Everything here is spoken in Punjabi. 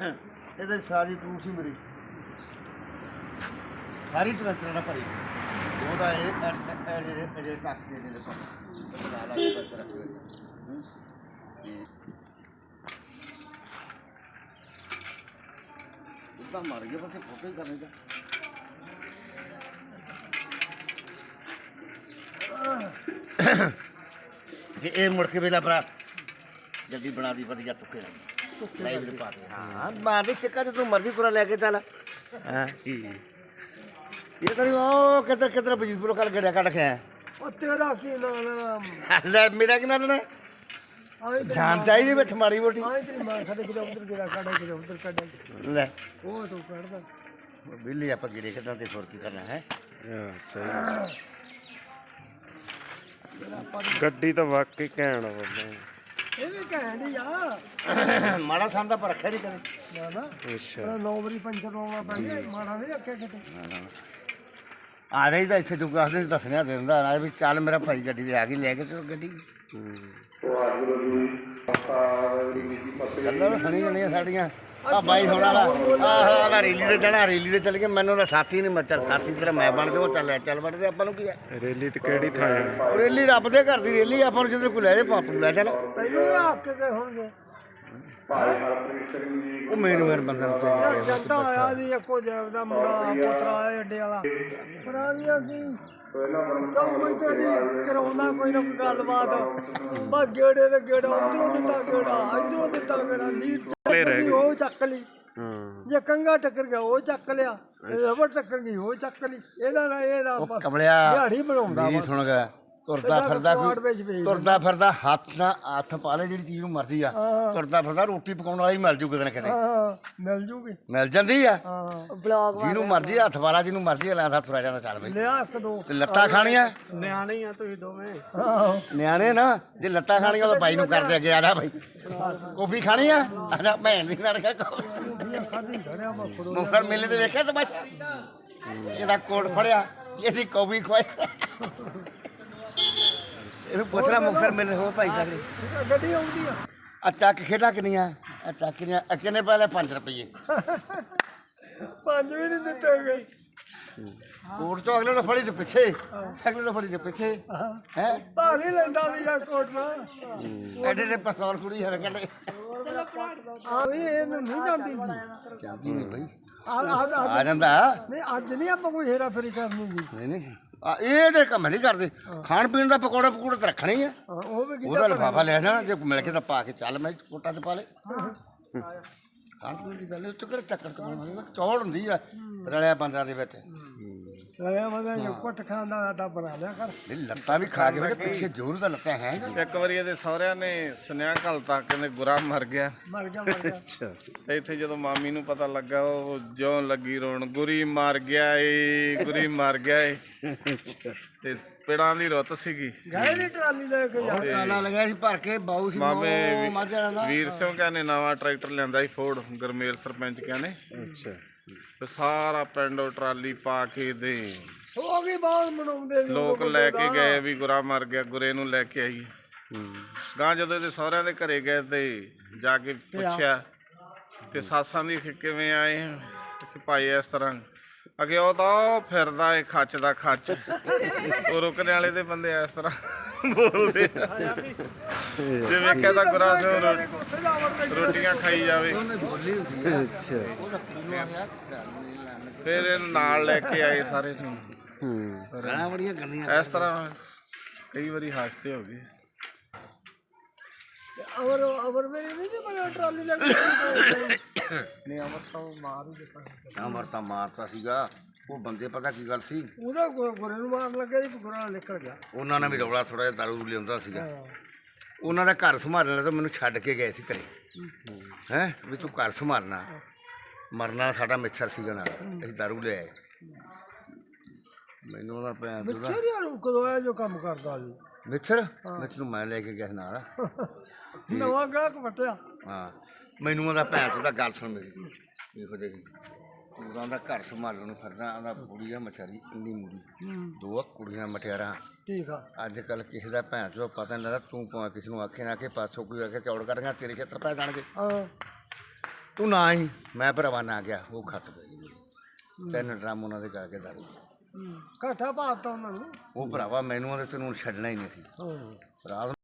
ਇਹਦੇ ਸਾਰੀ ਟੂਟ ਸੀ ਮੇਰੀ ਸਾਰੀ ਤਰ੍ਹਾਂ ਨਾਲ ਭਰੀ ਉਹਦਾ ਇਹ ਜਿਹੜੇ ਟੱਕ ਦੇ ਦੇ ਪਰ ਲਾ ਲਾ ਕੇ ਬਸ ਰੱਖ ਦੇ ਤਾਂ ਮਰ ਗਿਆ ਬਸ ਫੋਟੋ ਹੀ ਕਰਨੇ ਦਾ ਇਹ ਮੁੜ ਕੇ ਵੇਲਾ ਭਰਾ ਜਲਦੀ ਬਣਾ ਦੀ ਵਧੀਆ ਤੁੱਕੇ ਲਾਈਵ ਦੇ ਪਾ ਦੇ ਹਾਂ ਮਾਰਦੇ ਚੱਕਾ ਤੇ ਤੂੰ ਮਰਜ਼ੀ ਤੁਰਾ ਲੈ ਕੇ ਚੱਲ ਹਾਂ ਇਹ ਤਾਂ ਉਹ ਕਿੱਧਰ ਬਜੀਤਪੁਰੋਂ ਕੱਲ ਗੜਿਆ ਕੱਢ ਕੇ ਉਹ ਤੇਰਾ ਕੀ ਨਾਮ ਲੈ ਮੇਰਾ ਕੀ ਨਾਮ ਨੇ ਜਾਨ ਚਾਹੀਦੀ ਵਿੱਚ ਮਾੜੀ ਮੋਟੀ ਆਏ ਤੇਰੀ ਮਾਂ ਸਾਡੇ ਕਿਤੇ ਉਧਰ ਗੇੜਾ ਕੱਢੇ ਕਿਤੇ ਉਧਰ ਕੱਢੇ ਲੈ ਉਹ ਤੂੰ ਕੱਢਦਾ ਬਿੱਲੀ ਆਪਾਂ ਗਿਰੇ ਕੱਢਣ ਤੇ ਹੋਰ ਕੀ ਕਰਨਾ ਹੈ ਸਹੀ ਗੱਡੀ ਤਾਂ ਵਾਕਈ ਘੈਂਟ ਆ ਇਹ ਵੀ ਕਹਿਣੀ ਆ ਮਾੜਾ ਸੰਦਾ ਪਰ ਰੱਖਿਆ ਨਹੀਂ ਕਦੇ ਨਾ ਨਾ ਅੱਛਾ 9 ਵਾਰੀ ਪੰਚਰ ਲਾਉਣਾ ਪੈਂਦਾ ਮਾੜਾ ਨਹੀਂ ਰੱਖਿਆ ਕਿਤੇ ਆ ਰਹੀ ਤਾਂ ਇੱਥੇ ਜੁਗਾ ਦੇ ਦੱਸਣਿਆ ਦਿੰਦਾ ਨਾ ਵੀ ਚੱਲ ਮੇਰਾ ਭਾਈ ਗੱਡੀ ਤੇ ਆ ਗਈ ਲੈ ਕੇ ਚਲੋ ਗੱਡੀ ਗੱਲਾਂ ਤਾਂ ਸੁਣੀ ਜਾਂਦੀਆਂ ਸਾਡੀਆਂ ਆ ਬਾਈ ਹੁਣ ਵਾਲਾ ਆਹ ਰੇਲੀ ਤੇ ਜਾਣਾ ਰੇਲੀ ਤੇ ਚੱਲ ਕੇ ਮੈਨੂੰ ਤਾਂ ਸਾਥੀ ਨਹੀਂ ਮੱਚਰ ਸਾਥੀ ਤੇਰਾ ਮੈਂ ਬਣ ਜਾਵਾਂ ਚੱਲ ਵੜਦੇ ਆਪਾਂ ਨੂੰ ਕੀ ਹੈ ਰੈਲੀ ਤੇ ਕਿਹੜੀ ਥਾਂ ਜਾਣਾ ਰੇਲੀ ਰੱਬ ਦੇ ਘਰ ਦੀ ਰੇਲੀ ਆਪਾਂ ਨੂੰ ਜਿੱਧਰ ਕੋਈ ਲੈ ਜਾ ਪਾਪੂ ਲੈ ਚੱਲ ਤੈਨੂੰ ਵੀ ਹੱਕ ਕੇ ਹੋਣਗੇ ਉਹ ਮੇਰੇ ਬੰਦੇ ਨੂੰ ਯਾਰ ਜੱਟਾ ਆਇਆ ਦੀ ਇੱਕੋ ਜੈਬ ਦਾ ਮੁੰਡਾ ਪੁੱਤਰਾ ਆਇਆ ਅੱਡੇ ਵਾਲਾ ਪੁਰਾਣੀਆਂ ਕੀ ਕੋਈ ਤੇਰੀ ਕਰਾਉਂਦਾ ਕੋਈ ਨਾ ਕੋਈ ਗੱਲਬਾਤ ਬਸ ਗੇੜੇ ਤੇ ਗੇੜਾ ਉਧਰੋਂ ਦਿੱਤਾ ਗੇੜਾ ਇਧਰੋਂ ਦਿੱਤਾ ਗੇੜਾ ਲੀਰ ਉਹ ਚੱਕ ਲਈ ਜੇ ਕੰਗਾ ਟੱਕਰ ਗਿਆ ਉਹ ਚੱਕ ਲਿਆ ਰਬੜ ਟੱਕਰ ਗਈ ਉਹ ਚੱਕ ਲਈ ਇਹਦਾ ਕਮਲਿਆ ਦਿਹਾੜੀ ਬਣਾਉਂਦਾ ਮੇਰੀ ਸੁਣ ਗਿਆ ਤੁਰਦਾ ਫਿਰਦਾ ਹੱਥ ਪਾ ਲੈ ਜਿਹੜੀ ਚੀਜ਼ ਨੂੰ ਮਰਦੀ ਆ ਤੁਰਦਾ ਫਿਰਦਾ ਰੋਟੀ ਪਕਾਉਣ ਵਾਲਾ ਹੀ ਮਿਲ ਜੂ ਕਿਤੇ ਨਾ ਕਿਤੇ ਮਿਲ ਜੂਗੀ ਮਿਲ ਜਾਂਦੀ ਆ ਬਲੌਗ ਜਿਹਨੂੰ ਮਰਜੀ ਹੱਥ ਵਾਲਾ ਜਿਹਨੂੰ ਮਰਜੀ ਲਾਂਦਾ ਤੁਰਿਆ ਜਾਂਦਾ ਚੱਲ ਬਈ ਲਿਆ ਇੱਕ ਦੋ ਤੇ ਲੱਤਾਂ ਖਾਣੀਆਂ ਨਿਆਣੇ ਆ ਤੁਸੀਂ ਦੋਵੇਂ ਨਿਆਣੇ ਨਾ ਜੇ ਲੱਤਾਂ ਖਾਣੀਆਂ ਤਾਂ ਬਾਈ ਨੂੰ ਕਰਦੇ ਅੱਗੇ ਆ ਜਾ ਬਾਈ ਕੌਫੀ ਖਾਣੀ ਆ ਆਜਾ ਭੈਣ ਦੀ ਲੜ ਕੇ ਮੁਖਰ ਮੇਲੇ ਤੇ ਵੇਖਿਆ ਤਮਾਸ਼ਾ ਇਹਦਾ ਕੋਟ ਫੜਿਆ ਇਹਦੀ ਕੌਫੀ ਖਵਾਈ ਇਹਨੂੰ ਪੁੱਛਣਾ ਮੁਖਰ ਮੇਲੇ ਹੋ ਭਾਈ ਤੱਕ ਗੱਡੀ ਆਉਂਦੀ ਆ ਆ ਚੱਕ ਖੇਡਾਂ ਕਿੰਨੀਆਂ ਆ ਚੱਕ ਕਿੰਨੀਆਂ ਕਿੰਨੇ ਪਹਿਲੇ 5 ਰੁਪਏ 5 ਵੀ ਨਹੀਂ ਦਿੱਤੇ ਗਏ ਕੋਟ ਚੋਂ ਅਗਲੇ ਤੋਂ ਫੜੀ ਤੇ ਪਿੱਛੇ ਅਗਲੇ ਤੋਂ ਫੜੀ ਤੇ ਪਿੱਛੇ ਹੈ ਭਾਰੀ ਲੈਂਦਾ ਵੀ ਯਾਰ ਕੋਟ ਨਾ ਐਡੇ ਪਸੌਲ ਕੁੜੀ ਹਰ ਕੱਢੇ ਆ ਵੀ ਇਹਨੂੰ ਨਹੀਂ ਜਾਂਦੀ ਜਾਂਦੀ ਨਹੀਂ ਬਈ ਆ ਆ ਜਾਂਦਾ ਨਹੀਂ ਅੱਜ ਨਹੀਂ ਆਪਾਂ ਕੋਈ ਹੇਰਾ ਫੇਰੀ ਕਰਨੀ ਜੀ ਨਹੀਂ ਇਹ ਤੇ ਕੰਮ ਨਹੀਂ ਕਰਦੇ ਖਾਣ ਪੀਣ ਦਾ ਪਕੌੜਾ ਪਕੂੜਾ ਤਾਂ ਰੱਖਣਾ ਹੀ ਆ ਉਹ ਵੀ ਉਹਦਾ ਲਿਫਾਫਾ ਲੈ ਜਾਣਾ ਜੇ ਮਿਲ ਕੇ ਤਾਂ ਪਾ ਕੇ ਚੱਲ ਮੈਂ ਕੋਟਾ 'ਚ ਪਾ ਲੈ ਖਾਣ ਪੀਣ ਦੀ ਗੱਲ ਉੱਤੇ ਕਿਹੜਾ ਚੱਕਰ ਤੋਂ ਚੌੜ ਹੁੰਦੀ ਆ ਰਲਿਆ ਬੰਦਾਂ ਦੇ ਵਿੱਚ ਰਲਿਆ ਬੰਦਾ ਜੇ ਕੁੱਟ ਖਾਂਦਾ ਤਾਂ ਬਣਾ ਲਿਆ ਕਰ ਇਹ ਲੱਤਾਂ ਵੀ ਖਾ ਕੇ ਵੇ ਪਿੱਛੇ ਜ਼ੋਰ ਦਾ ਲੱਤਾਂ ਹੈ ਇੱਕ ਵਾਰੀ ਇਹਦੇ ਸਹੁਰਿਆਂ ਨੇ ਸੁਨੇਹਾ ਘੱਲਤਾ ਕਹਿੰਦੇ ਗੁਰਾ ਮਰ ਗਿਆ ਮਰ ਗਿਆ ਤੇ ਇੱਥੇ ਜਦੋਂ ਮਾਮੀ ਨੂੰ ਪਤਾ ਲੱਗਾ ਉਹ ਜਿਉਂ ਲੱਗੀ ਰੋਣ ਗੁਰੀ ਮਰ ਗਿਆ ਏ ਗੁਰੀ ਮਰ ਗਿਆ ਏ ਤੇ ਪਿੜਾਂ ਦੀ ਰੁੱਤ ਸੀਗੀ ਗਏ ਦੀ ਟਰਾਲੀ ਲੈ ਕੇ ਜਾ ਕਾਲਾ ਲਗਿਆ ਸੀ ਭਰ ਕੇ ਬਾਊ ਸੀ ਮਾਮੇ ਮਾਝਾ ਦਾ ਵੀਰ ਸਿੰਘ ਕਹਿੰਦੇ ਨਵਾਂ ਟਰੈਕਟਰ ਲਿਆਂਦਾ ਸੀ ਫੋਰਡ ਗਰਮੇਲ ਸਰਪੰਚ ਕਹਿੰਦੇ ਅੱਛਾ ਤੇ ਸਾਰਾ ਪਿੰਡ ਟਰਾਲੀ ਪਾ ਕੇ ਦੇ ਹੋ ਗਈ ਬਹੁਤ ਮਨਾਉਂਦੇ ਲੋਕ ਲੈ ਕੇ ਗਏ ਵੀ ਗੁਰਾ ਮਰ ਗਿਆ ਗੁਰੇ ਨੂੰ ਲੈ ਕੇ ਆਈ ਗਾਂ ਜਦੋਂ ਇਹਦੇ ਸਹੁਰਿਆਂ ਦੇ ਘਰੇ ਗਏ ਤੇ ਜਾ ਕੇ ਪੁੱਛਿਆ ਤੇ ਸਾਸਾਂ ਦੀ ਕਿਵੇਂ ਆਏ ਕਿ ਭਾਈ ਇਸ ਤਰ੍ਹਾਂ ਅਗੇ ਉਹ ਤਾਂ ਫਿਰਦਾ ਏ ਖੱਚ ਦਾ ਖੱਚ ਉਹ ਰੁਕਣ ਵਾਲੇ ਦੇ ਬੰਦੇ ਇਸ ਤਰ੍ਹਾਂ ਬੋਲਦੇ ਜੇ ਵੇਖਿਆ ਤਾਂ ਗੁਰਾ ਸਿੰਘ ਰੋਟੀਆਂ ਖਾਈ ਜਾਵੇ ਫਿਰ ਇਹਨੂੰ ਨਾਲ ਲੈ ਕੇ ਆਏ ਸਾਰੇ ਨੂੰ ਗਾਲਾਂ ਬੜੀਆਂ ਗੰਦੀਆਂ ਇਸ ਤਰ੍ਹਾਂ ਕਈ ਵਾਰੀ ਹਾਸਤੇ ਹੋ ਗਏ ਅਵਰ ਮੇਰੇ ਨਹੀਂ ਬਣਾ ਟਰਾਲੀ ਲੈ ਕੇ ਨਹੀਂ ਅਮਰ ਤਾਂ ਮਾਰ ਹੀ ਦਿੱਤਾ ਅਮਰਤਾ ਮਾਰਤਾ ਸੀਗਾ ਉਹ ਬੰਦੇ ਪਤਾ ਕੀ ਗੱਲ ਸੀ ਉਹਦਾ ਗੁਰੇ ਨੂੰ ਮਾਰਨ ਲੱਗਿਆ ਜੀ ਗੁਰਾ ਨਿਕਲ ਗਿਆ ਉਹਨਾਂ ਨੇ ਵੀ ਰੌਲਾ ਥੋੜਾ ਜਿਹਾ ਦਾਰੂ ਲਿਆਉਂਦਾ ਸੀਗਾ ਉਹਨਾਂ ਦਾ ਘਰ ਸੰਭਾਲਣ ਤਾਂ ਮੈਨੂੰ ਛੱਡ ਕੇ ਗਏ ਸੀ ਘਰੇ ਹੈ ਵੀ ਤੂੰ ਘਰ ਸੰਭਾਲਣਾ ਮਰਨਾ ਸਾਡਾ ਮਿੱਛਰ ਸੀਗਾ ਨਾਲ ਅਸੀਂ ਦਾਰੂ ਲੈ ਆਏ ਮੈਨੂੰ ਉਹਦਾ ਭੈਣ ਮਿੱਛਰ ਯਾਰ ਕਦੋਂ ਆਇਆ ਜੋ ਕੰਮ ਕਰਦਾ ਜੀ ਮਿੱਛਰ ਨੂੰ ਮੈਂ ਲੈ ਕੇ ਗਿਆ ਸੀ ਨਾਲ ਨਵਾਂ ਗਾਹਕ ਵਟਿਆ ਹਾਂ ਮੈਨੂੰ ਉਹਦਾ ਭੈਣ ਉਹਦਾ ਗੱਲ ਸੁਣ ਮੇਰੀ ਦੇਖੋ ਜੀ ਤੂੰ ਦਾ ਘਰ ਸੰਭਾਲਣ ਨੂੰ ਫਿਰਦਾ ਉਹਦਾ ਕੁੜੀ ਆ ਮਛਰੀ ਇੰਨੀ ਮੂੜੀ 2 ਕੁੜੀਆਂ ਮਟਿਆਰਾਂ ਠੀਕ ਆ ਅੱਜ ਕੱਲ੍ਹ ਕਿਸੇ ਦਾ ਭੈਣ ਚੋਂ ਪਤਾ ਨਹੀਂ ਲੱਗਦਾ ਤੂੰ ਭਾਵੇਂ ਕਿਸੇ ਨੂੰ ਆਖੇ ਨਾ ਕਿ ਪਾਸੋਂ ਕੋਈ ਆ ਕੇ ਚੌੜ ਕਰਾਂਗਾ ਤੇਰੇ ਖੇਤਰ ਪੈ ਜਾਣਗੇ ਤੂੰ ਨਾ ਹੀ ਮੈਂ ਭਰਾਵਾ ਨਾ ਗਿਆ ਉਹ ਖੱਤ ਗਈ ਮੇਰੀ 3 ਡਰਮ ਉਹਨਾਂ ਦੇ ਕਰਕੇ ਦਾਰੂ ਘਾਟਾ ਪਾਤਾ ਉਹਨਾਂ ਨੂੰ ਉਹ ਭਰਾਵਾ ਮੈਨੂੰ ਉਹਦੇ ਤੈਨੂੰ ਛੱਡਣਾ ਹੀ ਨਹੀਂ ਸੀ ਹਾਂ ਰਾਤ